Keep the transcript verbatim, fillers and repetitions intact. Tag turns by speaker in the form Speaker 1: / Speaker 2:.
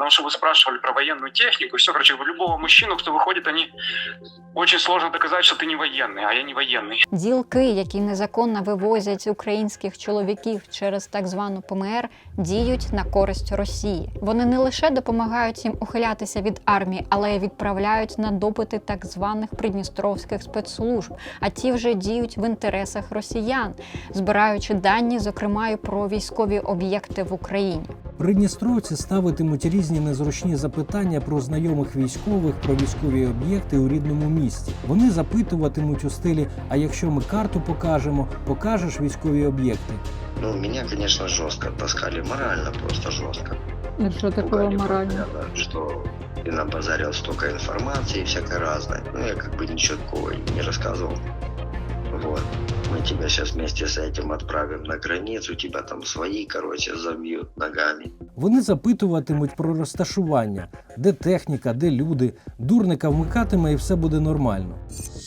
Speaker 1: Потому что вы спрашивали про военную технику, все, короче, любого мужчину, кто выходит, они очень сложно доказать, что ты не военный, а я не военный.
Speaker 2: Ділки, які незаконно вивозять українських чоловіків через так звану П М Р, діють на користь Росії. Вони не лише допомагають їм ухилятися від армії, але й відправляють на допити так званих придністровських спецслужб, а ті вже діють в інтересах росіян, збираючи дані, зокрема і про військові об'єкти в Україні.
Speaker 3: Придністровці ставитимуть різні незручні запитання про знайомих військових, про військові об'єкти у рідному місті. Вони запитуватимуть у стилі «А якщо ми карту покажемо, покажеш військові об'єкти?»
Speaker 4: Ну, меня, конечно, жестко таскали, морально просто жестко.
Speaker 5: И что такое
Speaker 4: Пугали
Speaker 5: морально?
Speaker 4: постоянно, что ты набазарил столько информации всякой разной. Ну, я как бы ничего такого не рассказывал. Вот. Мы тебя сейчас вместе с этим отправим на границу, тебя там свои, короче, забьют ногами.
Speaker 3: Вони запитуватимуть про розташування, де техніка, де люди. Дурника вмикатиме і все буде нормально.